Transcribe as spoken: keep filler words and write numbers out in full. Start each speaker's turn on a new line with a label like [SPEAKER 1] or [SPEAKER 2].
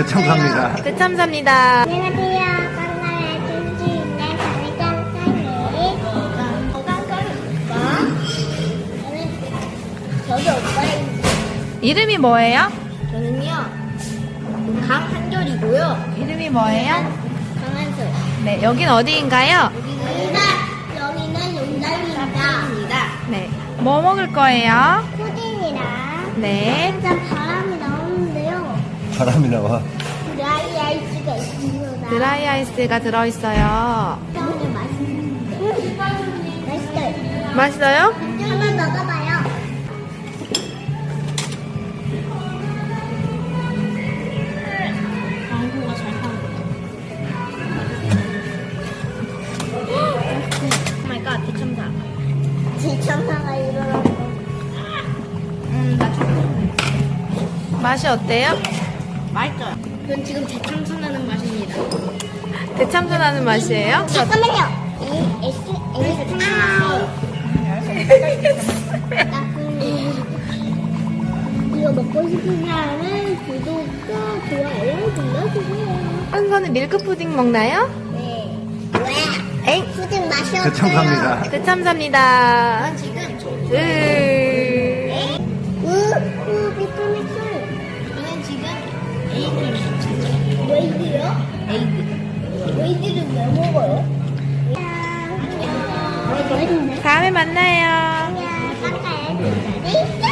[SPEAKER 1] 대참사입니다.
[SPEAKER 2] 대참사입니다.
[SPEAKER 3] 안녕하세요. 깡나의 쭈쭈인의 강의장사님. 깡깡깡과 저는 저도 오빠입니다.
[SPEAKER 2] 이름이 뭐예요?
[SPEAKER 3] 저는요 강한결이고요.
[SPEAKER 2] 이름이 뭐예요?
[SPEAKER 3] 강한솔.
[SPEAKER 2] 네, 여긴 어디인가요?
[SPEAKER 3] 여기는 여기는 용달입니다.
[SPEAKER 2] 네. 뭐 먹을 거예요?
[SPEAKER 3] 푸딩이랑
[SPEAKER 2] 네.
[SPEAKER 3] 진짜 바람이 나오는데요.
[SPEAKER 1] 바람이 나와.
[SPEAKER 3] 드라이 아이스가 있습니다.
[SPEAKER 2] 드라이 아이스가 들어있어요.
[SPEAKER 3] 너무 맛있는데. 맛있어요.
[SPEAKER 2] 맛있어요?
[SPEAKER 3] 한번 먹어봐요. 광고가 잘 파는 오 마이 갓, 대참사. 대참사가 일어났어. 음, 나 좀.
[SPEAKER 2] 맛이 어때요?
[SPEAKER 3] 맛있어요. 그건 지금 대참사 나는 맛입니다.
[SPEAKER 2] 대참사 나는 맛이에요?
[SPEAKER 3] 잠깐만요. 이 S S 이거 먹고 싶은 사람은 구독과 좋아요 눌러주세요.
[SPEAKER 2] 한 손은 밀크 푸딩 먹나요?
[SPEAKER 3] 네. 왜?
[SPEAKER 2] 에이.
[SPEAKER 3] 푸딩 맛이 어때요?
[SPEAKER 1] 대참사입니다.
[SPEAKER 2] 대참사입니다.
[SPEAKER 3] 지금 저.
[SPEAKER 2] 으.
[SPEAKER 3] 우, 우, 비타민스. 저는 지금 에이드를 먹었어요. 웨이드요? 에이드. 웨이드를 왜 먹어요? 안녕. 맛있네.
[SPEAKER 2] 다음에 만나요.
[SPEAKER 3] 안녕. 깜짝이야.